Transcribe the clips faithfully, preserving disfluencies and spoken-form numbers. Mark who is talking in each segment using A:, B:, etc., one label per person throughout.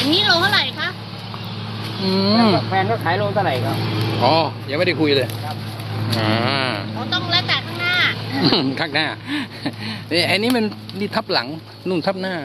A: อย่างนี้โลเท่าไหร่คะ
B: อืม
C: แฟนก็ขายโลเท่าไหร่ครับ
B: อ๋อยังไม่ได้คุยเลยครับอ่า
A: เราต้องแล้วแต่ข้างหน้า
B: ข้างหน้านี่ไอ้นี่มันนี่ทับหลังนุ่นทับหน้า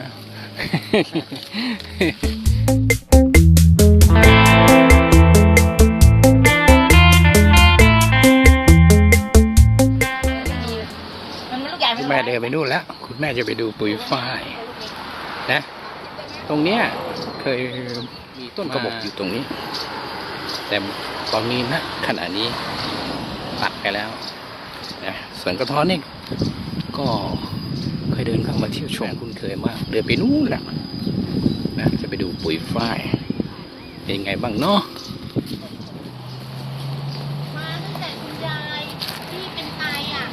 B: คุณแม่เดินไปนู่นแล้วคุณแม่จะไปดูปุ๋ยฝ้ายนะตรงเนี้ยเคยมีต้นกระบอกอยู่ตรงนี้แต่ตอนนี้นะขณะนี้ตัดไปแล้วนะส่วนกระท้อนนี่ก็เคยเดินเข้ามาเที่ยวชมคุณเคยมากเดินไปนู่นแหละนะจะไปดูปุ๋ยฝ้ายเป็นไงบ้างเนาะ
A: มาตั้งแต่คุณยายที่เป็นไตอ่ะ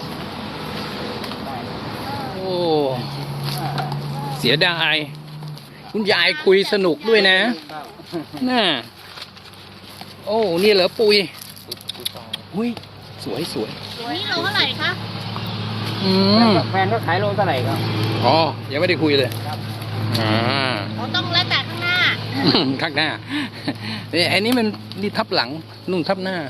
B: โอ้เสียดายคุณยายคุยสนุกด้วยนะน่าโอ้นี่เหรอปุยอุ้ยสวยสวย
A: อย่างนี้โลเท่าไหร่คะ
B: อืม
C: แฟนก็ขายโลเท่าไหร่ครับ
B: อ๋อยังไม่ได้คุยเลยครับอ่า
A: เราต้องแล้วแต่ข้างหน้า
B: ข้างหน้านี่ไอ้นี่มันนี่ทับหลังนุ่นทับหน้า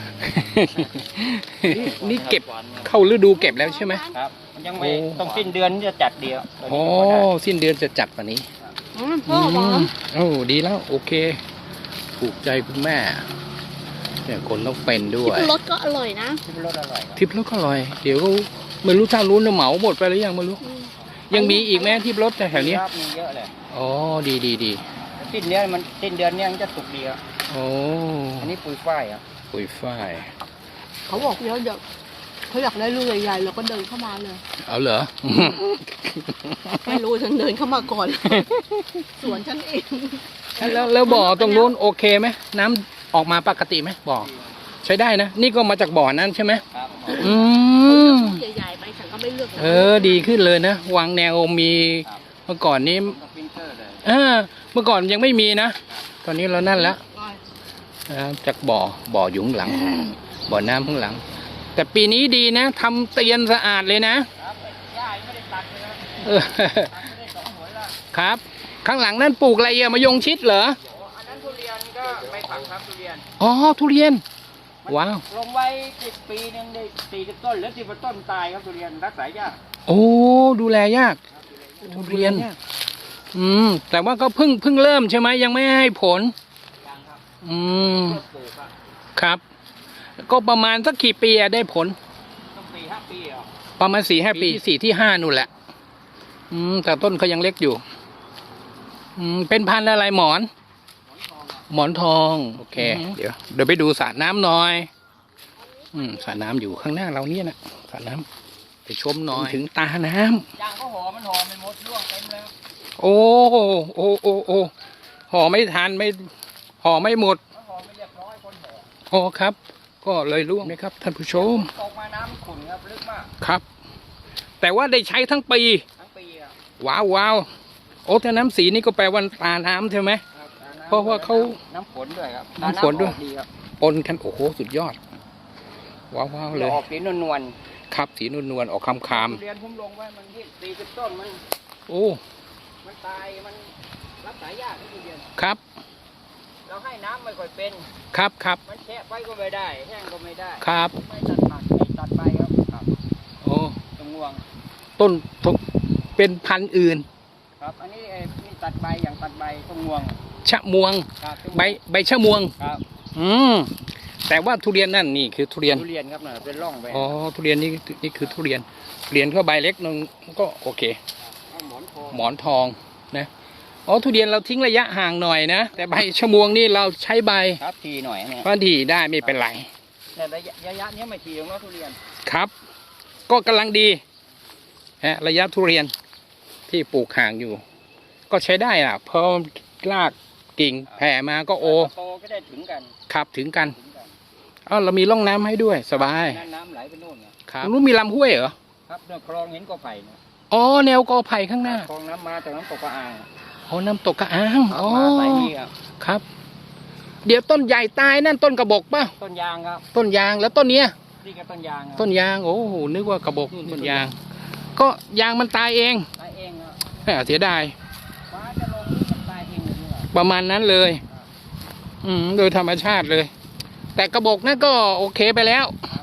B: นี่เก็บเข้าฤดูเก็บแล้วใช่ไหม
C: ครับมันยังไม่ต้องสิ้นเดือนจะจัดเดียว
B: โอ้สิ้นเดือนจะจัดวันนี้
A: พ่อหวาน
B: โอ้ดีแล้วโอเคถูกใจคุณแม่เนี่ยคนต้องเป็นด้วย
A: ทิพรสก็อร่อยนะ
C: ทิพรสอร่อย
B: ทิพรสก็อร่อยเดี๋ยวไม่รู้ถ้ารู้นะเหมาหมดไปหรือยังไม่รู้ยังมีอีกไหมทิพรสแถวนี้
C: มีเยอะเลย
B: อ๋อดีดีดี
C: สิ้นเดือนมันสิ้นเดือนนี้มันจะสุกดีครับ
B: โอ้
C: อันนี้ปุ๋ยฝ้ายครับ
B: ปุ๋ยฝ้าย
A: เขาบอกเยอะเยอะเขาอยากได้ลูกใหญ่ๆเราก็เดินเข้ามาเลย
B: เอาเหรอ
A: ไม่รู้ฉันเดินเข้ามาก่อนสวนฉันเอง
B: แล้วแล้วบ่อตรงนู้นโอเคไหมน้ำออกมาปกติไหมบ่อใช้ได้นะนี่ก็มาจากบ่อนั้นใช่ไหมอืม
A: ใหญ่ๆไปฉันก็ไม่เลือก
B: เออดีขึ้นเลยนะวางแนวมีเมื่อก่อนนี้เออเมื่อก่อนยังไม่มีนะตอนนี้เรานั่นแล้วจากบ่อบ่ออยู่ข้างหลังบ่อน้ำข้างหลังแต่ปีนี้ดีนะทำเตียนสะอาดเลยนะครับข้างหลังนั่นปลูกอะไรอะมะยงชิดเหรอ
C: อันนั้นทุเรียนก็ไม่ปักครับทุเรียน
B: อ๋อทุเรียนว้าว
C: ลงไว้สิบปีนึงได้สี่สิบต้นหรือสิบต้นตายครับทุเรียนรักษายาก
B: โอ้ดูแลยากทุเรียนอืมแต่ว่าก็เพิ่งเพิ่งเริ่มใช่ไหมยังไม่ให้ผลอืมครับก็ประมาณสักกี่ปีได้ผล
C: สี่ห้าปีอ่ะ
B: ประมาณสี่ห้าปีสี่ที่ห้านู่นแหละอืมแต่ต้นเขายังเล็กอยู่อืมเป็นพันธุ์อะไรหมอนหมอนทองโอเคเดี๋ยวเดี๋ยวไปดูสระน้ำหน่อยอืมสระน้ำอยู่ข้างหน้าเราเนี่ยนะสระน้ำไปชมหน่อยถึงตาน้ำ
C: ยางก็ห่อมันห่อไม่หมดร่วงเต็มแล้ว
B: โอ้โอ้โอ้โอ้ห่อไม่ทันไม่ห่อไม่หมด
C: ห่อไม่เรียบร้อยคนห่อ
B: โอ้ครับก็เลยร่วงนะครับท่านผู้ชม
C: ตกมาน้ำขุ่นครับลึกมาก
B: ครับแต่ว่าได้ใช้ทั้งปี
C: ทั้งปีอ่ะ
B: ว้าวว้าวโอ้แต่น้ำสีนี่ก็แปลว่าตาน้ำใช่ไหมเพราะว่าเขา
C: น้ำฝนด้วยครับ
B: น้ำฝนด้วยปนกันโอ้โหสุดยอดว้าวว้าวเลย
C: ออกสีนวล
B: ๆครับสีนวลๆออกคำคาม
C: เรียนผมลงไว้มันที่สี่สิบต้นมัน
B: โอ้
C: มันตายมันรักษายากที่เรียน
B: ครับ
C: เราให้น้ำไม่ค่อยเป็น
B: ครับครับ
C: มันแฉะไปก็ไม่ได้แห้งก็ไม่ได้
B: ครับ
C: ไม่ตัดผักไม่ตัดใบครับครับ
B: โอ้
C: ตรงงวง
B: ต้นเป็นพันธุ์อื่น
C: ครับอันนี้นี่ตัดใบอย่างตัดใบตรงงวง
B: ชะมวงใบใบชะมวง
C: ครับ
B: อืมแต่ว่าทุเรียนนั่นนี่คือทุเรียน
C: ทุเรียนครับเนี่ยเป็นร่องไป
B: อ๋อทุเรียนนี่นี่คือทุเรียนทุเรียนก็ใบเล็กนึงก็โอเค
C: หมอนทอง
B: หมอนทองนะอ๋อทุเรียนเราทิ้งระยะห่างหน่อยนะแต่ใบชะมวงนี่เราใช้ใบ
C: ครับทีหน่อยเนี่ย
B: ก็ทีได้ไม่เป็นไร
C: แต่ระยะระยะนี้ไม่ทีของเราทุเรียน
B: ครับก็กำลังดีฮะระยะทุเรียนที่ปลูกห่างอยู่ก็ใช้ได้อ่ะเพราะรากกิ่งแผ่มาก็โอ
C: โตก็ได้ถึงกัน
B: ครับถึงกันอ๋อเรามีร่องน้ำให้ด้วยสบาย
C: น้ำไหลไปโน่น
B: ครับนู้นมีลำห้วยเหรอ
C: ครับเนี่ยคลองเห็นกอไผ่
B: อ๋อแนวกอไผ่ข้างหน้า
C: คลองน้ำมาจากน้ำตกกระอ่าง
B: อ๋อน้ำตกกระอ่างอ๋อ
C: ไหลนี่
B: ครับเดี๋ยวต้นใหญ่ตายนั่นต้นกระบอกป่ะ
C: ต้นยางครับ
B: ต้นยางแล้วต้นเนี้ย
C: นี่ก็ต้นยาง
B: ต้นยางโอ้โหนึกว่ากระบอกต้นยางก็ยางมันตายเอง
C: ตายเอง
B: ครับเสียดาย
C: ฟ้าจะลงมันตายเองเลย
B: ประมาณนั้นเลย อืมโดยธรรมชาติเลย แต่กระบอกนั่นก็โอเคไปแล้ว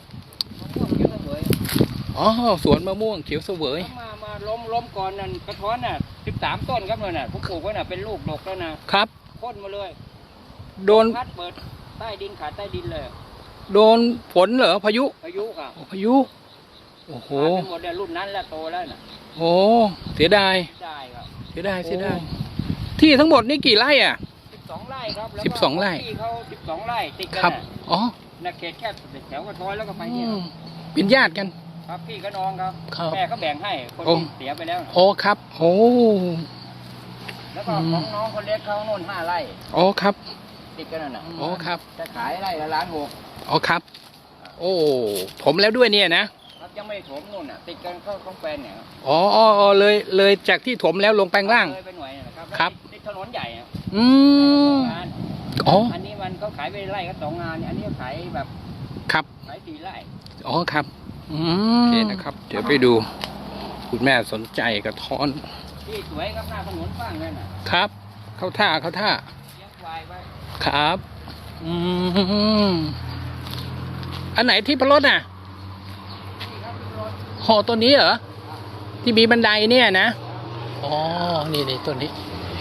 B: อ๋อสวนมะม่วงเขียวเสวย
C: มามาล้มล้มก่อนนั่นกระท้อนน่ะสิบสามต้นครับเลยน่ะผมปลูกไว้น่ะเป็นลูกดกแล้วนะครับ โค่นมาเลย
B: โดน
C: พัดเปิดใต้ดินขาดใต้ดินเลย
B: โดนฝนเหรอพายุ
C: พายุครับ
B: โอ้พายุโอ้โห
C: ขาดไปหมดเลยรุ่นนั้นแล้วโตแล้วน่ะ
B: โอ้เสียดาย
C: ได้ครับ
B: เสียดายเสียดายที่ทั้งหมดนี่กี่ไร่อ่ะ
C: สิบสองไร่ครับแล้ว
B: สิบสองไร่
C: ที่เขาสิบสองไร่ติดกัน
B: ครับ
C: น่ะ
B: อ๋อ
C: น่ะเขตแค่แถวกระท้อนแล้วก็ไป
B: อื
C: เนี่ย
B: มเป็นญาติกัน
C: ครับพี่กับน้องครับ
B: ครับ
C: แม่ก็แบ่งให้คน
B: โอ้
C: ที่เสียไปแล้วน่ะ
B: โอ้ครับ โอ้
C: แล้วก็
B: อืม
C: ของน้องคนเล็กเขาโน่นห้าไร่
B: โอ้ครับ
C: ติดกันนั่นน่ะ
B: โอ้ครับ
C: จะขายไร่ละล้านหก
B: อ๋อครับ โอ้ผมแล้วด้วยเนี่ยนะครับ
C: ยังไม่ถมนู่นน่ะติดกันก็ของแฟนเนี่ยครับ
B: อ๋ออ๋ออ๋อเลยเลยจากที่ถมแล้วลงแปลงล่าง
C: เลยไปหน่วยน่ะครับ
B: ครับ
C: ติดถนนใหญ่อะ
B: อืม
C: งาน
B: อ๋อ
C: อันนี้มันก็ขายไปไร่ก็สองงานเนี่ยอันนี้ก็ขายแบบ
B: ครับ
C: ขายสี่ไร่
B: อ๋อครับอืมโอเคนะครับ เดี๋ยวไปดู คุณแม่สนใจกระท้อน
C: ที่สวยครับหน้าถนนบ้างนั่นน่ะ
B: ครับ เข้าท่าเข้าท่า
C: เลี้ยงควายไว้
B: ครับ อืมอันไหนที่พรสน่ะ
C: นี่ครับพี่รถ
B: ห่อตัวนี้เหรอ ที่มีบันไดเนี่ยนะ อ๋อ นี่นี่ตัวนี้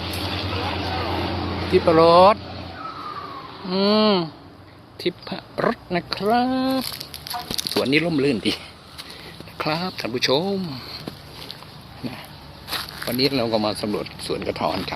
B: ทิพรสอืม ทิพรสนะครับ สวนนี้ร่มรื่นดีนะครับท่านผู้ชมนะวันนี้เราก็มาสำรวจสวนกระท้อนกัน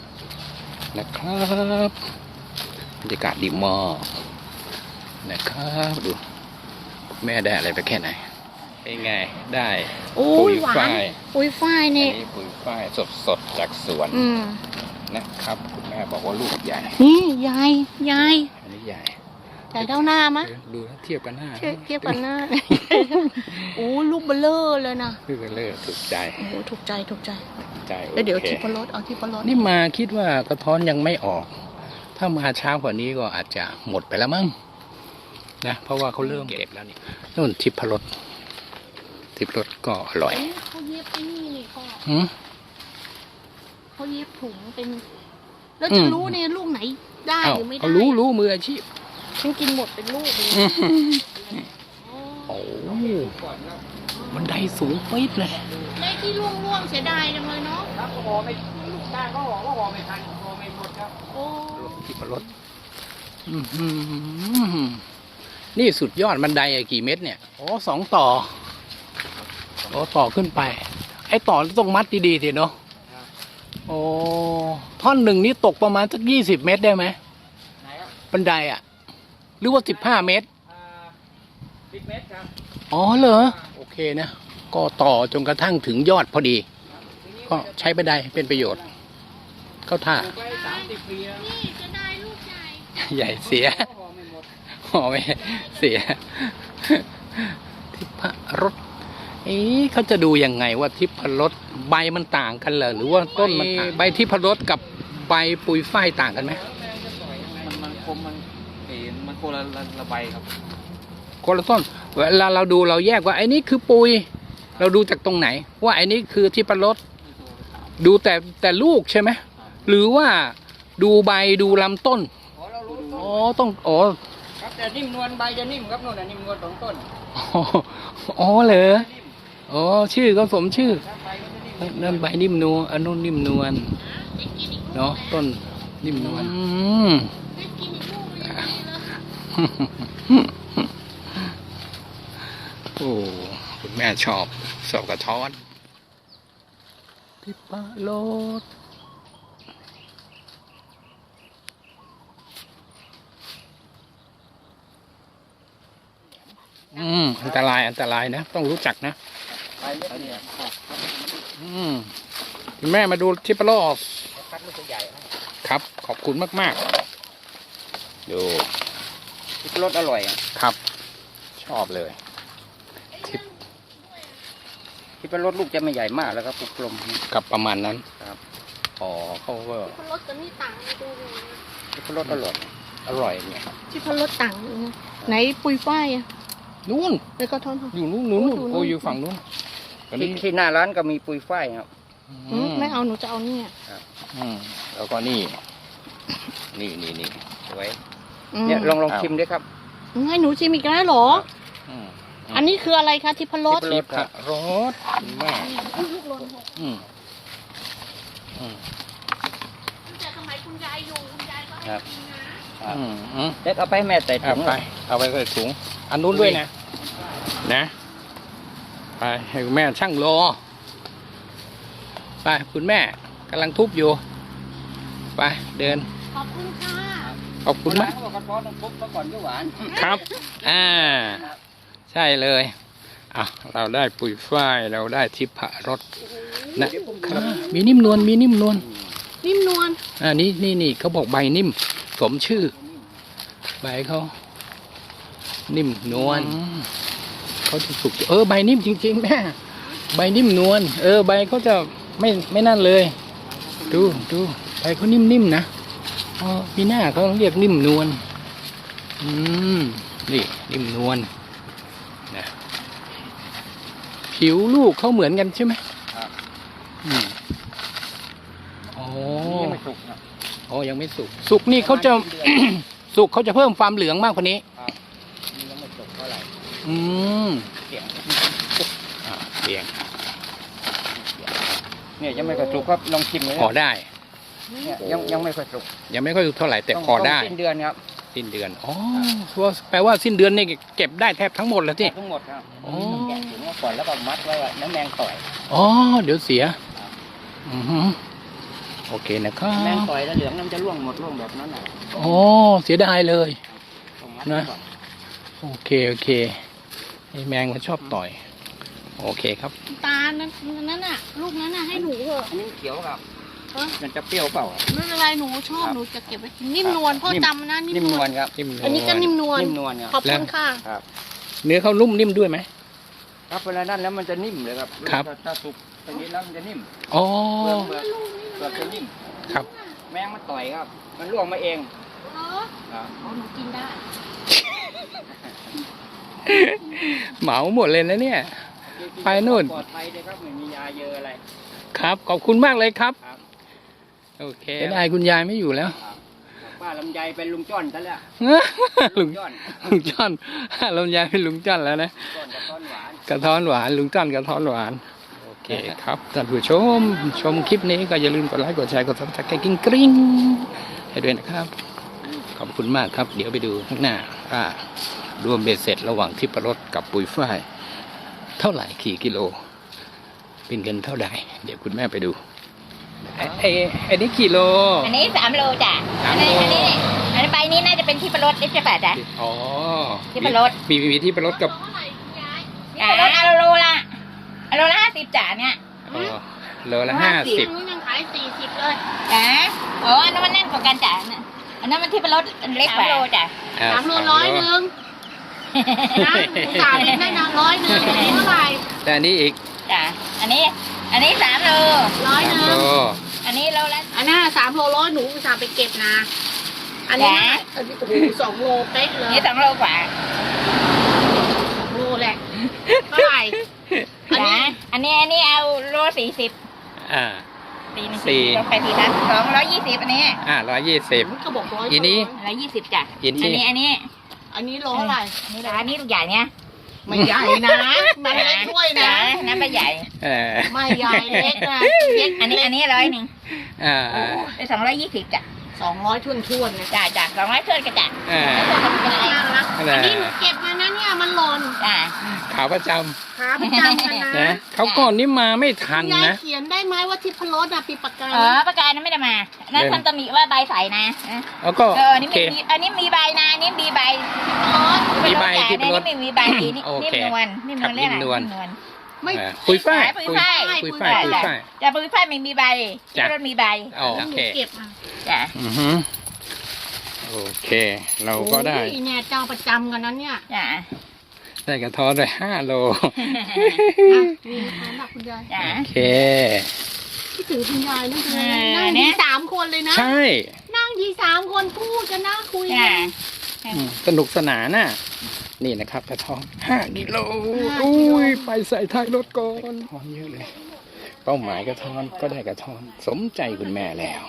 B: นะครับบรรยากาศดีมากนะครับดูแม่ได้อะไรไปแค่ไหนเป็นไงได้
A: โอ้
B: ปุ๋
A: ย
B: ย
A: หวา
B: ฝ้าน ย
A: อุ้ยฝ้าย
B: อัน
A: นี่
B: นี้ปุ๋ยฝ้ายสดๆจากสวน
A: อืม
B: นะครับคุณแม่บอกว่าลูกใหญ่
A: นี่ยายยาย
B: อันนี้ใหญ่
A: ใหญ่เท่าหน้ามะ
B: เดี๋ยวดูแล้วเทียบกันหน้า
A: เทียบเทียบกันหน้า โอ้ลูกเบลเลอร์เลยนะ
B: คือกันเลยถูกใจ
A: โอ้โหถูกใจถูกใจ
B: ถูกใจ
A: แล้วเดี๋ยว
B: โอค
A: ทิพรสเอาทิพรส
B: นี่มาคิดว่ากระท้อนยังไม่ออก ถ้ามาช้ากว่านี้ก็อาจจะหมดไปแล้วมั้งนะเพราะว่าเขาเริ่มเก็บแล้วนี่นู่นทิพรสทิพรสก็อร่อย
A: เอ๊ะเขาเย็บไอ้นี่นี่ก็
B: หืม
A: เขาเย็บถุงเป็น แล้ว
B: อื
A: จะ
B: ม
A: รู้เนี่ยลูกไหนได้
B: อ้าว
A: หรือไม่ได้
B: เขารู้รู้มืออาชีพ
A: ฉันกินหมดเป็นลูกเลย
B: อื้อหือ
A: อ๋อ
B: โอ้มันไดสูงปิดเลย
A: ได้ที่ร่วงร่วงๆเสียดายจังเลยเนาะ
C: ครับก็ห่อไม่ลูกได้ก็ห่อก็ห่อไม่ทันห่อไม่หมดครับ
A: โอ้
B: ทิพรสอื้อหือนี่สุดยอดบันไดอะกี่เมตรเนี่ยโอ้สองต่อโอ้ต่อขึ้นไป ไอ้ต่อต้องมัดดีๆทีเนาะโอ้ท่อนหนึ่งนี่ตกประมาณสักยี่สิบเมตรได้ไหม
C: ไหนครับ
B: บันไดอะหรือว่าสิบห้าเมตร
C: อ่าสิบเมตรครับ
B: อ๋อเหรอโอเคนะ ก็ต่อจนกระทั่งถึงยอดพอดี
C: ทีนี้
B: ก็ใช้บันไดเป็นประโยชน์ เข้าท่า
C: ปลูกไปสามสิบปีแล้ว
A: นี่จะได้ลูกใหญ่
B: ใหญ่เสีย
C: ก็ห่อไม่หมด
B: หอไม่เสีย ทิพรสเอ๊ะเขาจะดูยังไงว่าทิพรสใบมันต่างกันเหรอหรือว่าต้นมันต่างใบทิพรสกับใบปุยฝ้ายต่างกันไหม
C: มันมันคมมันเอ็นมันคนละละใบครับ
B: คนละต้นเวลาเราดูเราแยกว่าไอ้นี่คือปุย เราดูจากตรงไหน ว่าไอ้นี่คือทิพรสดูแต่แต่ลูกใช่ไหมหรือว่าดูใบดูลำต้น
C: อ๋อเรารู้ต้
B: อ๋อน ต้องอ๋อ
C: ครับแต่นิ่มนวลใบจะนิ่มครับโน่นน่ะนิ่มนวลสองต้น
B: อ๋อเหรอ
C: นิ่ม
B: อ๋อชื่อก็สมชื่อ
C: ครับใบมันจะนิ่ม
B: นั่นใบนิ่มนวลอันนู้นนิ่มนวล
A: ได้กินอีกลูก
B: เนาะต้นนิ่มนวลอืม
A: ได้กินอีกลูกเลยยังดีเลย
B: โอ้คุณแม่ชอบชอบกระท้อนทิพรสอืมอันตรายอันตรายนะ ต้องรู้จักนะ
C: ใบเล็กเนี่ย
B: อืมคุณแม่มาดูทิพรส
C: คัดลูกใหญ่ให้
B: ครับ ขอบคุณมากๆ ดู
C: รสอร่อยอ่ะ
B: ครับ ชอบเลย
C: ที่เป็นรสลูกจะไม่ใหญ่มากแล้วก็ปลูกกลม
B: กับประมาณนั้น
C: ครับ
B: อ๋อเขาก็
A: ทิพรสกับนี่ต่างกันดูเลยนะ
C: ที่เป็นรสอร่อย
B: อร่อยเนี่ยครับ
A: ทิพรสต่างกันนะไหนปุยฝ้ายอะ
B: นู่น
A: แล้วก็ท่อน
B: อยู่นู่นนู่นนู่น
A: โอ้
B: โอ้
A: ดูนู่น
B: อยู่ฝั่งนู้นตอน
C: ที่
B: นี้
C: ที่หน้าร้านก็มีปุยฝ้ายครับ
A: อืมไม่เอาหนูจะเอาเนี่ย
B: อืมแล้วก็นี่นี่นี่นี่สวย
C: เนี่ยลองลอง
B: อ้าว
C: ชิมด้วยครับ
A: ให้หนูชิมอีกแล้วเหรอ
B: อืม
A: อันนี้คืออะไรคะทิพรส
B: ทิพรสแม่อืมอืม
A: แต่สมัยคุณยายอยู่คุณยายก็ให้
B: ครับ
A: กินนะ
B: อืมอืม
C: เด็กเอาไปให้แม่ใส่ถุ
B: เอา
C: ง
B: ไปเอาไปใส่ถุงอันนู้นด้วยนะนะไปให้คุณแม่ช่างรอไปคุณแม่กำลังทุบอยู่ไปเดิน
A: ขอบคุณค่ะ
B: ขอบคุณมาก
C: เขาบอกกระท้อนต้องปุ๊บมาก่อนก็หวาน
B: ครับ อ่า ใช่เลยอ่ะเราได้ปุ๋ยฝ้ายเราได้ทิพรสนะครับมีนิ่มนวลมีนิ่มนวล
A: นิ่มนวล
B: อ่านี่นี่นี่เขาบอกใบนิ่มสมชื่อ ใบเขานิ่มนวลเขาจะสุกเออใบนิ่มจริงๆแม่ใบนิ่มนวลเออใบเขาจะไม่ไม่นั่นเลย ดูดูใบเขานิ่มๆนะอ๋อมีหน้าเขาเรียกนิ่มนวลอืมนี่นิ่มนวลนะผิวลูกเขาเหมือนกันใช่ไหม
C: ครับ
B: อืมโอ้
C: ยังไม่สุกครับ
B: โอ้ยังไม่สุก สุกนี่เขาจะ สุกเขาจะเพิ่มความเหลืองมากกว่านี้
C: ครับนี่ยังไม่สุกเท่าไหร่
B: อืม
C: เสียง
B: อ่าเปลี่ยน
C: เนี่ยยังไม่ค่อยสุกครับลองชิมเลย
B: พอได้
C: เนี่ยยังยังไม่ค่อยสุก
B: ยังไม่ค่อยสุกเท่าไหร่แต่พอได้
C: ต้งสิ้นเดือนครับ
B: สิ้นเดือนอ๋อแปลว่าสิ้นเดือนนี่เก็บได้แทบทั้งหมดแล้วสิ
C: ทั้งหมดครับ
B: อ๋อ
C: แกะถุงมาก่อนแล้วก็มัดไว้ว่าน้ำแมงต่อย
B: อ๋อเดี๋ยวเสียอือฮึโอเคนะครับ
C: แมงต่อยแล้วเหลืองน้ำจะร่วงหมดร่วงแบบนั้นน่ะ
B: อ๋อเสียดายเลย
C: ต้องมัด
B: นะ
C: ไว้ก่อน
B: โอเคโอเคไอ้แมงมันชอบต่อย โอเคครับ
A: ตาลนั้นนั่นน่ะ ลูกนั้นน่ะให้หนูเถอะ
C: อันนี้เขียวครับ
A: ฮะ
C: มันจะเปรี้ยวเปล่า
A: ไม่เป็นไรหนูชอบหนูจะเก็บไว้กินนิ่มนวลพ่อจำนะนิ่
C: นิ่
A: ม
C: ม
A: น
C: น
A: ว
C: ว
A: ล
C: ลครับ
B: นิ่มนวล
A: อันนี้ก็นิ่มนวล
C: นิ่มนวลครับ
A: ขอบคุณค่ะ
C: ครับ
B: เนื้อเขานุ่มนิ่มด้วยไหม
C: ครับเวลานั้นแล้วมันจะนิ่มเลยครับ
B: ครับ
C: ถ้าถ้าสุกตรงนี้แล้วมันจะนิ่ม
B: อ๋อ
C: เปลือกเปลือกเปลือกจะนิ่ม
B: ครับ
C: แมงมันต่อยครับ มันร่วงมาเอง
A: เหรอ
C: ครับ
A: อ๋อหนูกินได้
B: เหมาหมดเลยนะเนี่ย ไปนู่น
C: ปลอดภัยเลยครับไม่มียาเยอะอะไร
B: ครับ ขอบคุณมากเลยครับ
C: ครับ
B: โอเคได้คุณยายไม่อยู่แล้ว
C: ครับป้าลำไยเป็นลุงจ้อนซะแล้ว
B: ลุง
C: จ้อน
B: ลุงจ้อนลำยายเป็นลุงจ้อนแล้วนะ
C: จ้อนกับต้นหวาน
B: กระท้อนหวานลุงจ้อนกระท้อนหวานโอเคครับท่านผู้ชมชมคลิปนี้ก็อย่าลืมกดไลค์กดแชร์กดซับสไครต์กิ้งกริ้งให้ด้วยนะครับ ขอบคุณมากครับ เดี๋ยวไปดูข้างหน้าว่ารวมเบ็ดเสร็จระหว่างทิพรสกับปุ๋ยฝ้ายเท่าไหร่กี่กิโลเป็นเงินเท่าใดเดี๋ยวคุณแม่ไปดูไอ้ไอ้ไอ้นี่กี่โล
D: อันนี้สามโลจ้ะ
B: สาม
D: อัน
B: โล
D: นี้อันนี้อันนี้ใบนี้น่าจะเป็นที่ประรดนี่ใช่ป่ะจ๊ะ
B: อ๋อ
D: ทิพรส
B: มีมีทิพรสกับ
D: อ่าเอาโลละเอาโลละห้าสิบจ้ะเนี่ย
B: อ๋อโลละห้าสิบ
A: หนูยังขายสี่สิบเลย
D: จ้ะโอ้อันนั้นมันแน่นกว่ากันจ้ะน่ะอันนั้นมันที่ประรดอันเล็กกว่าโลจ้ะ
B: อ่
A: สามโลร้อยหนึ่งนะหนูจ่ายให้นางร้อยหนึ่งอันนี้เท่าไหร่
B: แต่อันนี้อีก
D: จ้ะอันนี้ อันนี้สามโล
A: ร้อยห
B: สาม
A: นึ่ง
B: โล
D: อันนี้โลละ
A: อันนั้นสามโลร้อยหนูอุตส่าห์ไปเก็บนะ อันนี้นะอันนี้โอ้โหสองโลเป๊ะเลย
D: นี่สองโลกว่า
A: สองโลแหละเท่าไหร่ อัน
D: จ้ะ
A: นี้
D: อันนี้อันนี้เอาโลสี่สิบ
B: อ่า
D: สี่หนึ่ง
B: สี่
D: ลงไปสี่ทับสองร้อยยี่สิบอันนี้
B: อ่าร้อยยี่สิบ
A: ก็บอกร้อย
B: อีนี้
D: ร้อยยี่สิบจ้ะ
B: อีนี้
D: อันนี้อันนี้
A: อันนี้โลเท่าไหร่
D: อันนี้อันนี้ลูกใหญ่เนี่ย
A: ไม่ใหญ่นะมันเล็กด้วยนะ
D: จ้น้ำปลาใหญ่
B: เออ
A: ไม่ใหญ่เล็กนะเล็ก
D: อันนี้อันนี้ร้อยหนึ่ง
B: อ่า
D: เป็นสองร้อยยี่สิบจ้ะ
A: สองร้อยทุ่นทุ่นๆนะ
D: จ้ะจ้ะสองร้อยเท่ากันจ้ะ
B: อ่า
A: น่ารัก
B: นั่น
A: อัน
B: แหละ
A: นี้หนูเก็บมานะเนี่ยมันหล่น
D: จ้ะ
B: ขาประจ
A: ขาประจำกัน
B: ำ
A: นะ
B: นะเขาก่อนนี้มาไม่ทัน
A: ยาย
B: นะ
A: เขียนได้ไหมว่าทิพรสอะปีปากกา
D: เออประกาศนั้นไม่ได้มานั่น
B: เล่น
D: ทำตำหนิว่าใบใสนะ
B: แล้วก็
D: เอออันนี้
B: โอเค
D: มีอันนี้มีใบนะอันนี้มีใบ
B: มีใบ
D: ที่
B: ที่
D: เป็น
B: เป็นร
D: ร
B: ส
D: ถไม่มีใบนี่
B: โอ
D: นิ่
B: เค
D: มนวลนิ่มนวล
B: ครับ
D: เรียกอะไร
B: นิ่มนวล
D: นิ่มนวล
A: ไม่
B: อ่าปุยฝ้าย
D: ปุยฝ้าย
B: ปุยฝ้ายปุยฝ้าย
D: จ้ะปุยฝ้ายไม่มีใบ
B: จ้ะ
D: รถมีใบ
B: อ๋อ
A: ห
B: โอ
A: นู
B: เค
A: เก็บมา
D: จ้ะ
B: อือฮึโอเค เราก็ได้
A: โอ้ยเนี่ยเจ้าประจำกันนั้นเนี่ย
D: จ้ะ
B: ได้กระท้อนไปห้าโล
A: อ่ะมีทานหลักคุณยาย
D: จ้ะ
B: โอเค
A: คิดถึงคุณยายนั่นคือ
D: เออ
A: นั่ง
D: เนี่
A: ที
D: ย
A: สามคนเลยนะ
B: ใช่
A: นั่งทีสามคนพูดกันนะคุย
D: จ้ะ
A: กัน
B: อืมสนุกสนานน่ะ นี่นะครับกระท้อนห้ากิโล
A: ห้ากิ
B: อุ้
A: โล
B: ยไปใส่ท้ายรถก่อนท้อนเยอะเลย เป้าหมายกระท้อนก็ได้กระท้อน สมใจคุณแม่แล้ว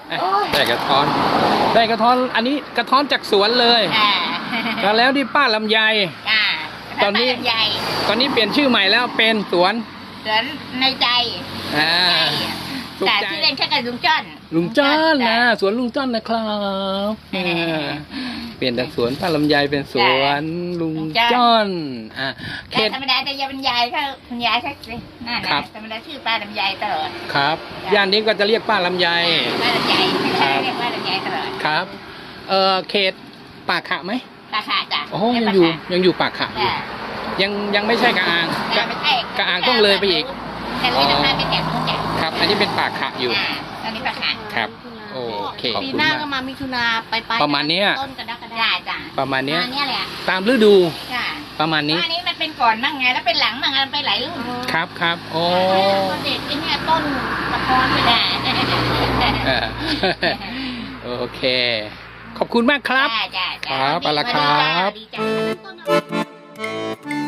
B: อ่ะได้กระท้อน ได้กระท้อนอันนี้กระท้อนจากสวนเลย
D: อ่า
B: แล้วแล้วที่ป้าลำไย
D: อ่า
B: ตอนนี้
D: ใหญ่
B: ตอนนี้เปลี่ยนชื่อใหม่แล้วเป็นสวน
D: สวนในใจ
B: อ่า ถูก
D: แต่
B: ใจ
D: ที่เล่นแค่กับลุงจ้อน
B: ลุงจ้อนนะสวนลุงจ้อนนะครับอ่าเปลี่ยนจากสวนป้าลำไยเป็นสวนลุงจ้อนอ่าเข
D: แต่
B: ต
D: ธรรมดาจะยายบรรยายเขาคุณยายเขาสินั่น
B: ครั
D: นะ
B: บ
D: ธรรมดาชื่อป้าลำไยตลอด
B: ครับย่านนี้ก็จะเรียกป้าลำไย
D: ป้าลำไย
B: ครับ
D: เรียกป้าลำไยตลอด
B: ครับเออเขตปากขะไหม
D: ราคาจ้ะ
B: โอ้โหยังอยู่ยังอยู่ปากขะอยู่
D: จ้ะ
B: ยังยังไม่ใช่กระอาง
D: แต่
B: กะ
D: ไม่ใช่
B: กระอางต้องเลยไปอีก
D: แต่ลุยราคาเป็นแถบนู้นจ้ะ
B: ครับ อันนี้เป็นปากขะอยู่
D: อ่าตอนนี้ราคา
B: ครับ โอเคขอบ
A: ปี
B: คุณ
A: หน้าม
B: าก
A: ก็มามิถุนาไปไป
B: ประมาณเนี้ย
A: ต้นกระดักกระ
D: ได้
A: ดาษ
D: จ้ะ
B: ประมาณเนี้ย
D: อันเนี้ยแหละ
B: ตามฤดู
D: จ้ะ
B: ประมาณนี้
D: ว่าอันนี้มันเป็นก่อนมั่งไงแล้วเป็นหลังมั่งมันไปหลายรุ่น
B: ครับครับโอ้
A: ต้นเด็ดไอ้เนี่ยต้นกระท้อนไม่ได้
D: จ้ะ
B: เออ โอเค ขอบคุณมากครับ
D: จ้ะจ้ะจ้ะ
B: ครับเอาละครับ
D: ดีจ้ะ
A: ต้นอะไร